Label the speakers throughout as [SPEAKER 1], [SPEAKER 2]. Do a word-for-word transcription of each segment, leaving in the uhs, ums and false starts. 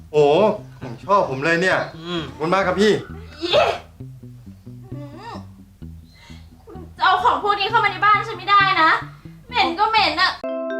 [SPEAKER 1] โอ้ผมชอบผมเลยเนี่ย
[SPEAKER 2] อืม
[SPEAKER 1] ขอบคุณมากครับพี่
[SPEAKER 3] อีคุณจะเอาของพวกนี้เข้ามาในบ้านฉันไม่ได้นะเหม็นก็เหม็นอะ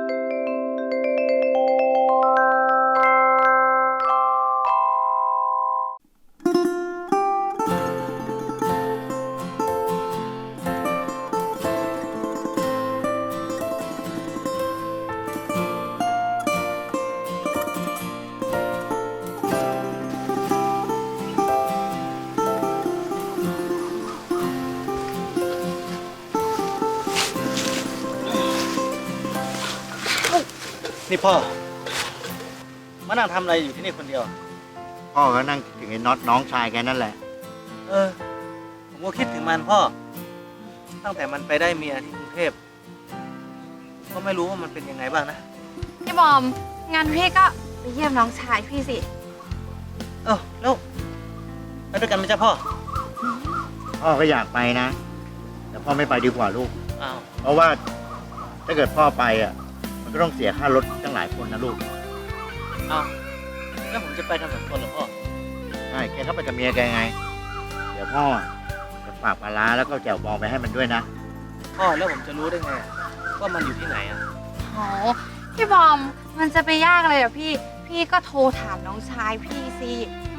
[SPEAKER 2] นี่พ่อมานั่งทำอะไรอยู่ที่นี่คนเดียว
[SPEAKER 4] พ่อก็นั่งคิดถึงไอ้น็อตน้องชายแกนั่นแหละ
[SPEAKER 2] เออ ผมก็คิดถึงมันพ่อ ตั้งแต่มันไปได้เมียที่กรุงเทพก็ไม่รู้ว่ามันเป็นยังไงบ้างนะ
[SPEAKER 5] พี่บอมงั้นพี่ก็ไปเยี่ยมน้องชายพี่สิ
[SPEAKER 2] เออแล้วไปด้วยกันไหมจ๊ะพ่อ
[SPEAKER 4] พ่อก็อยากไปนะ แต่พ่อไม่ไปดีกว่าลูก
[SPEAKER 2] อ้าว
[SPEAKER 4] เพราะว่าถ้าเกิดพ่อไปอ่ะมันก็ต้องเสียค่ารถตั้งหลายคนนะลูก
[SPEAKER 2] อ้าวแล้วผมจะไปกันสองคนเหรอพ่อ
[SPEAKER 4] ใช่แกก็ไปกับเมียแกไง เดี๋ยวพ่อจะฝากปลาร้าแล้วก็แจ่วบองไปให้มันด้วยนะ
[SPEAKER 2] พ่อแล้วผมจะรู้ได้ไงว่ามันอยู่ที่ไหนอ่ะ
[SPEAKER 5] โหพี่บอมมันจะไปยากเลยเหรอพี่ พี่ก็โทรถามน้องชายพี่สิ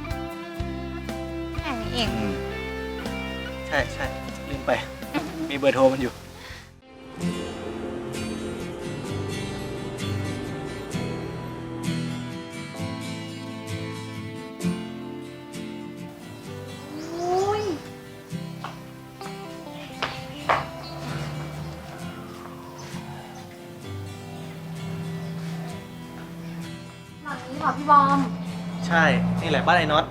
[SPEAKER 5] แค่นี้เอง
[SPEAKER 4] อืม
[SPEAKER 2] ใช่ใช่ลืมไป มีเบอร์โทรมันอยู่
[SPEAKER 3] อุ้ยหลังนี้เหรอพี่บอม
[SPEAKER 2] ใช่ นี่แหละบ้านไอ้น็อต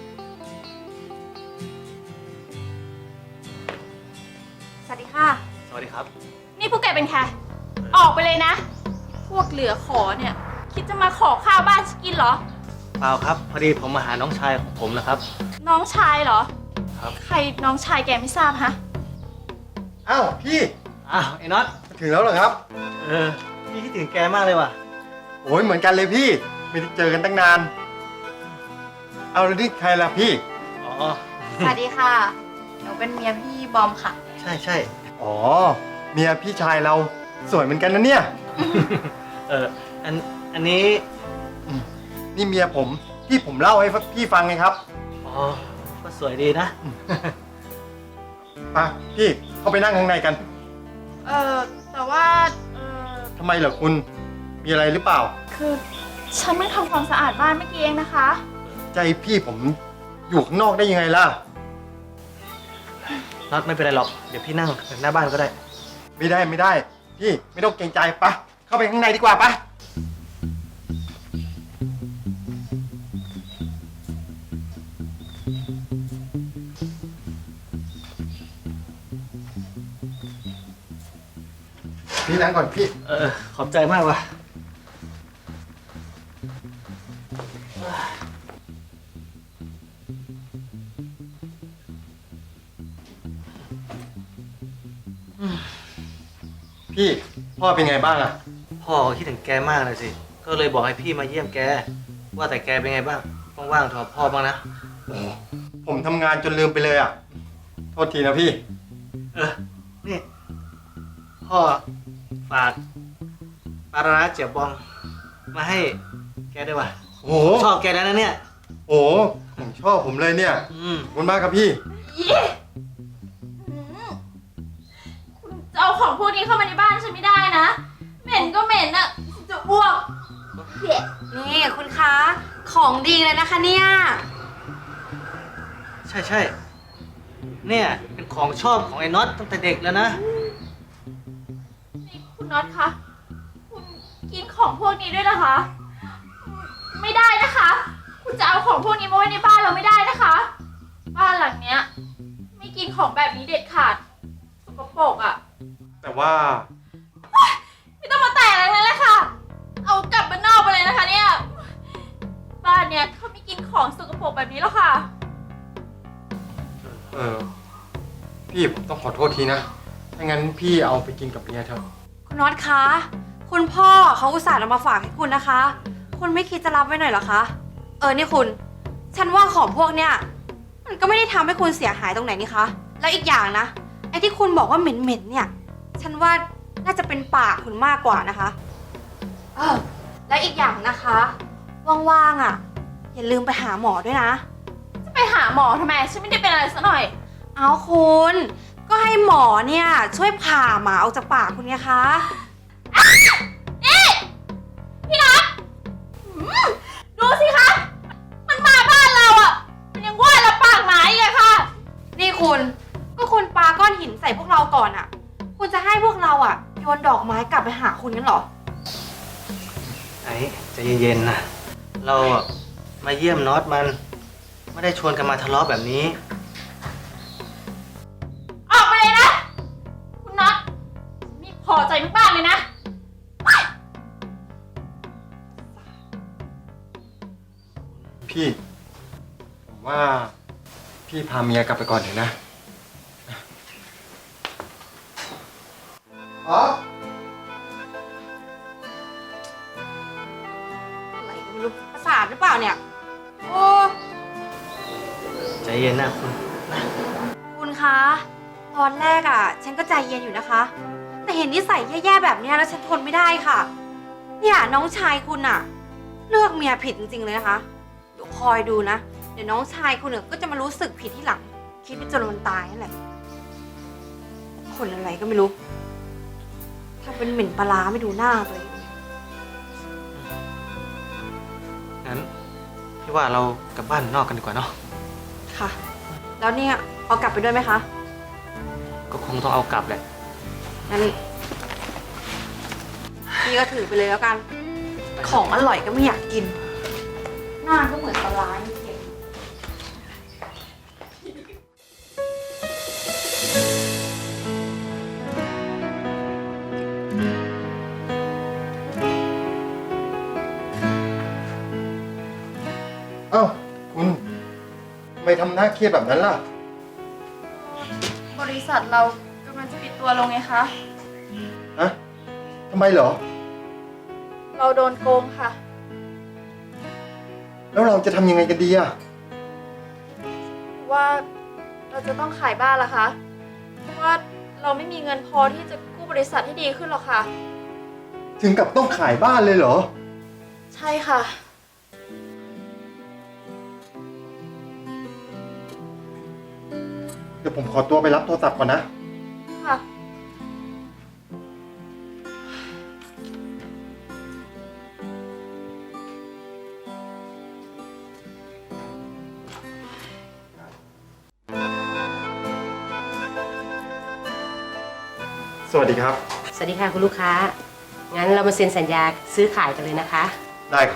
[SPEAKER 3] สวัสดีค่ะ
[SPEAKER 2] สวัสดีครับ
[SPEAKER 3] นี่พวกแกเป็นใครออกไปเลยนะ พวกเหลือขอเนี่ย คิดจะมาขอข้าวบ้านฉันกินเหรอ
[SPEAKER 2] เปล่าครับ พอดีผมมาหาน้องชายของผมนะครับ
[SPEAKER 3] น้องชายเหรอ
[SPEAKER 2] ครับ
[SPEAKER 3] ใครน้องชายแกไม่ทราบฮะ
[SPEAKER 1] อ้าวพี่
[SPEAKER 2] อ้าวไอ้น็อต
[SPEAKER 1] ถึงแล้วเหรอครับ
[SPEAKER 2] เออ พี่คิดถึงแกมากเลยว่ะ
[SPEAKER 1] โอ้ยเหมือนกันเลยพี่ไม่ได้เจอกันตั้งนานเอาแล้วนี่ใครล่ะพี่
[SPEAKER 2] อ๋อ
[SPEAKER 5] สวัสดีค่ะหนูเป็นเมียพี่บอมค่ะ
[SPEAKER 2] ใช่ใช่
[SPEAKER 1] อ๋อเมียพี่ชายเราสวยเหมือนกันนะเนี่ย
[SPEAKER 2] เออ อัน อันนี้
[SPEAKER 1] นี่เมียผมที่ผมเล่าให้พี่ฟังไงครับ
[SPEAKER 2] อ๋อ ก็สวยดีนะ
[SPEAKER 1] ไปพี่เข้าไปนั่งข้างในกัน
[SPEAKER 3] เออแต่ว่าเออ
[SPEAKER 1] ทำไมเหรอคุณมีอะไรหรือเปล่า
[SPEAKER 3] คือฉันเพิ่งทำความสะอาดบ้านเมื่อกี้เองนะคะ
[SPEAKER 1] ใจพี่ผมอยู่ข้างนอกได้ยังไงล่ะ
[SPEAKER 2] น็อตไม่เป็นไรหรอก เดี๋ยวพี่นั่งหน้าบ้านก็ได้
[SPEAKER 1] ไม่ได้ไม่ได้ พี่ไม่ต้องเกรงใจปะเข้าไปข้างในดีกว่าปะพี่นั่งก่อนพี่
[SPEAKER 2] เออ ขอบใจมากว่ะ
[SPEAKER 1] พี่พ่อเป็นไงบ้างอะ
[SPEAKER 2] พ่อก็คิดถึงแกมากเลยสิ ก็เลยบอกให้พี่มาเยี่ยมแก ว่าแต่แกเป็นไงบ้าง ว่างๆโทรพ่อบ้างนะ
[SPEAKER 1] ผมทำงานจนลืมไปเลยอะโทษทีนะพี่
[SPEAKER 2] เออ นี่ พ่อฝากปลาร้าเจียวบอง มาให้แกด้วยว่ะ
[SPEAKER 1] โอ้โห
[SPEAKER 2] ชอบแกแล้วนะเนี่ย
[SPEAKER 1] โอ้โหผมชอบผมเลยเนี่ย
[SPEAKER 2] อืม
[SPEAKER 1] ขอบคุณมากครับพี่
[SPEAKER 3] อีหืมคุณจะเอาของพวกนี้เข้ามาในบ้านฉันไม่ได้นะ เหม็นก็เหม็นอะจะอ้วกเด็ด
[SPEAKER 5] นี่คุณคะ ของดีเลยนะคะเนี่ย
[SPEAKER 2] ใช่ใช่เนี่ยเป็นของชอบของไอ้น็อตตั้งแต่เด็กแล้วนะ
[SPEAKER 3] นี่คุณน็อตคะ คุณกินของพวกนี้ด้วยนะคะ ไม่ได้นะคะ คุณจะเอาของพวกนี้มาไว้ในบ้านเราไม่ได้นะคะ บ้านหลังเนี้ย ไม่กินของแบบนี้เด็ดขาดสกปรกอะ
[SPEAKER 1] แต่ว่า
[SPEAKER 3] ไม่ต้องมาแตะอะไรเลยแหละค่ะ เอากลับบ้านนอกไปเลยนะคะเนี่ย บ้านเนี้ยเขาไม่กินของสกปรกแบบนี้แล้วค่ะ
[SPEAKER 1] เออพี่ผมต้องขอโทษทีนะถ้างั้นพี่เอาไปกินกับเมียเถอะ
[SPEAKER 5] คุณน็อตคะ คุณพ่อเขาอุตส่าห์นำมาฝากให้คุณนะคะ คุณไม่คิดจะรับไว้หน่อยเหรอคะอนี่คุณ ฉันว่าของพวกเนี้ยมันก็ไม่ได้ทำให้คุณเสียหายตรงไหนนี่คะ แล้วอีกอย่างนะ ไอ้ที่คุณบอกว่าเหม็นๆเนี่ย ฉันว่าน่าจะเป็นปากคุณมากกว่านะคะ เออ และอีกอย่างนะคะ ว่างๆอ่ะ อย่าลืมไปหาหมอด้วยนะ
[SPEAKER 3] จะไปหาหมอทำไม ฉันไม่ได้เป็นอะไรซะหน่อย
[SPEAKER 5] เอาคุณ ก็ให้หมอเนี่ยช่วยผ่าหมาออกจากปากคุณไงคะ
[SPEAKER 3] นี่พี่นัทหืมดูสิคะ มันมาบ้านเราอ่ะ มันยังว่าเราปากหมาอีกอะค่ะ
[SPEAKER 5] นี่คุณ ก็คุณปาก้อนหินใส่พวกเราก่อนอ่ะ คุณจะให้พวกเราอ่ะโยนดอกไม้กลับไปหาคุณงั้นเหรอ
[SPEAKER 2] ไอ้ใจเย็นๆนะเราอะมาเยี่ยมน็อตมัน ไม่ได้ชวนกันมาทะเลาะแบบนี้
[SPEAKER 3] ออกไปเลยนะ คุณน็อตไม่พอใจมากๆเลยนะ
[SPEAKER 1] พี่ ผมว่าพี่พาเมียกลับไปก่อนเถอะนะอ๋อ
[SPEAKER 5] อะไรก็ไม่รู้ประสาทหรือเปล่าเนี่ย โอ้
[SPEAKER 2] ใจเย็นนะคุณ
[SPEAKER 5] คุณคะ ตอนแรกอ่ะ ฉันก็ใจเย็นอยู่นะคะ แต่เห็นนิสัยแย่ๆแบบเนี้ยแล้วฉันทนไม่ได้ค่ะ เนี่ยน้องชายคุณอ่ะ เลือกเมียผิดจริงๆเลยนะคะ เดี๋ยวคอยดูนะ เดี๋ยวน้องชายคุณเนี่ยก็จะมารู้สึกผิดที่หลัง คิดไปจนวันตายนั่นแหละ คนอะไรก็ไม่รู้ทำเป็นเหม็นปลาร้าไม่ดูหน้าตัวเอง
[SPEAKER 2] งั้นพี่ว่าเรากลับบ้านนอกกันดีกว่าเนาะ
[SPEAKER 5] ค่ะ แล้วเนี่ยเอากลับไปด้วยไหมคะ
[SPEAKER 2] ก็คงต้องเอากลับแหละ
[SPEAKER 5] งั้นพี่ก็ถือไปเลยแล้วกัน ของอร่อยก็ไม่อยากกิน หน้าก็เหมือนปลาร้าเค็ม
[SPEAKER 1] เอ้าคุณทำไมทำหน้าเครียดแบบนั้นล่ะ
[SPEAKER 3] บริษัทเรากำลังจะปิดตัวลงไงคะ
[SPEAKER 1] ฮะทำไมเหรอ
[SPEAKER 3] เราโดนโกงค่ะ
[SPEAKER 1] แล้วเราจะทำยังไงกันดีอะ
[SPEAKER 3] ว่าเราจะต้องขายบ้านละคะเพราะว่าเราไม่มีเงินพอที่จะกู้บริษัทให้ดีขึ้นหรอกค่ะ
[SPEAKER 1] ถึงกับต้องขายบ้านเลยเหรอ
[SPEAKER 3] ใช่ค่ะ
[SPEAKER 1] เดี๋ยวผมขอตัวไปรับโทรศัพท์ก่อนนะ
[SPEAKER 3] ค่ะ
[SPEAKER 1] สวัสดีครับ
[SPEAKER 6] สวัสดีค่ะคุณลูกค้า งั้นเรามาเซ็นสัญญาซื้อขายกันเลยนะคะ
[SPEAKER 1] ได้ครับ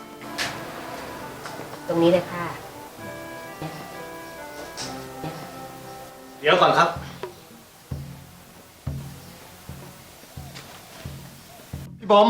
[SPEAKER 6] ตรงนี้เลยค่ะเนี่ยค่ะเนี่ยค่ะ
[SPEAKER 2] เดี๋ยวก่อนครับ
[SPEAKER 1] พี่บอม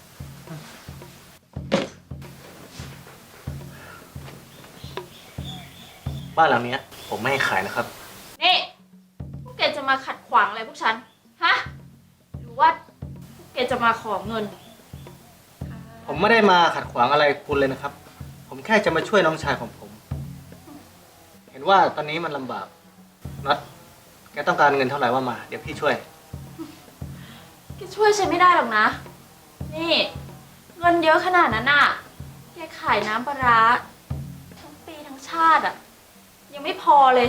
[SPEAKER 2] บ้านหลังเนี้ยผมไม่ให้ขายนะครับ
[SPEAKER 3] นี่ พวกแกจะมาขัดขวางอะไรพวกฉัน ฮะ หรือว่าพวกแกจะมาขอเงิน
[SPEAKER 2] ผมไม่ได้มาขัดขวางอะไรคุณเลยนะครับ ผมแค่จะมาช่วยน้องชายของผม เห็นว่าตอนนี้มันลำบากน็อตแกต้องการเงินเท่าไหร่ว่ามา เดี๋ยวพี่ช่วย
[SPEAKER 3] แกช่วยฉันไม่ได้หรอกนะ นี่ เงินเยอะขนาดนั้นน่ะ แกขายน้ำปลาร้าทั้งปีทั้งชาติอ่ะ ยังไม่พอเลย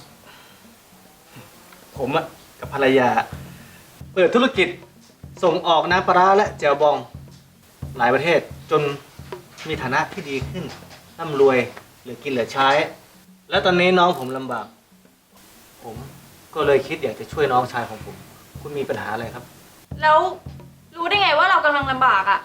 [SPEAKER 2] ผมอะกับภรรยา เปิดธุรกิจส่งออกน้ำปลาร้าและแจ่วบอง หลายประเทศจนมีฐานะที่ดีขึ้นร่ำรวยเหลือกินเหลือใช้ และตอนนี้น้องผมลำบาก ผมก็เลยคิดอยากจะช่วยน้องชายของผม คุณมีปัญหาอะไรครับ
[SPEAKER 3] แล้วรู้ได้ไงว่าเรากำลังลำบากอ่ะ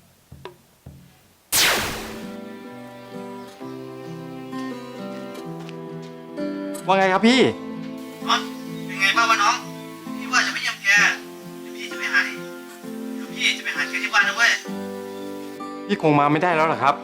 [SPEAKER 1] ว่าไงครับพี่
[SPEAKER 2] น็อตเป็นไงบ้างวะน้อง พี่ว่าจะไปเยี่ยมแกเดี๋ยวพี่จะไปหาเดี๋ยวพี่จะไปหาแกที่บ้านนะเว้ย
[SPEAKER 1] พี่คงมาไม่ได้แล้วเหรอครับ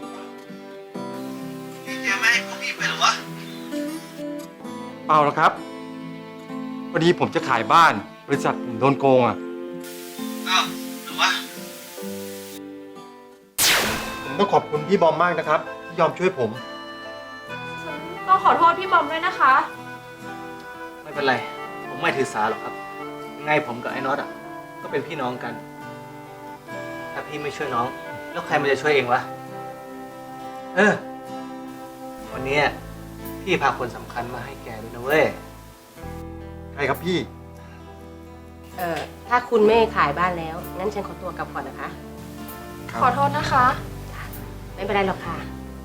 [SPEAKER 2] พี่แกไม่ให้พวกพี่ไปหรอวะ
[SPEAKER 1] เปล่าหรอกครับ พอดีผมจะขายบ้าน บริษัทผมโดนโกงอ่ะ
[SPEAKER 2] อ้าวหรือวะ
[SPEAKER 1] ผมต้องขอบคุณพี่บอมมากนะครับ ที่ที่ยอมช่วยผม
[SPEAKER 3] ฉันต้องขอโทษพี่บอมด้วยนะคะ
[SPEAKER 2] ไม่เป็นไร ผมไม่ถือสาหรอกครับ ยังไงผมกับไอ้น็อตอ่ะ ก็เป็นพี่น้องกัน ถ้าพี่ไม่ช่วยน้อง แล้วใครมันจะช่วยเองวะ เออ วันนี้พี่พาคนสำคัญมาให้แกด้วยนะเว้ย
[SPEAKER 1] ใครครับพี่
[SPEAKER 6] เอ่อ ถ้าคุณไม่ขายบ้านแล้ว งั้นฉันขอตัวกลับก่อนนะคะ
[SPEAKER 3] ขอโทษนะคะ
[SPEAKER 6] ไม่เป็นไรหรอกค่ะ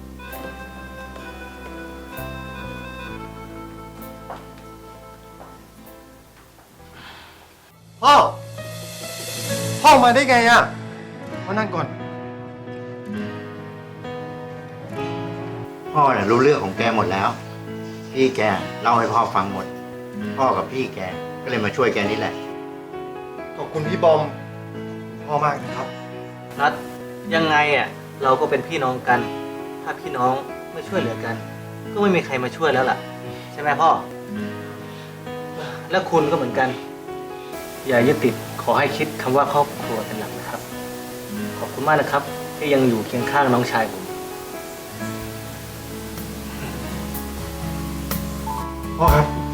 [SPEAKER 1] พ่อ พ่อมาได้ไงอะมานั่งก่อน
[SPEAKER 4] พ่อเนี่ยรู้เรื่องของแกหมดแล้ว พี่แกเล่าให้พ่อฟังหมด พ่อกับพี่แกก็เลยมาช่วยแกนี่แหละ
[SPEAKER 1] ขอบคุณพี่บอม พ่อมากนะครับ
[SPEAKER 2] นัดยังไงอ่ะเราก็เป็นพี่น้องกัน ถ้าพี่น้องไม่ช่วยเหลือกัน ก็ไม่มีใครมาช่วยแล้วล่ะ ใช่ไหมพ่อ และคุณก็เหมือนกัน อย่ายึดติดขอให้คิดคำว่าครอบครัวเป็นหลักนะครับ ขอบคุณมากนะครับ ที่ยังอยู่เคียงข้างน้องชายผม
[SPEAKER 1] พ่อครับ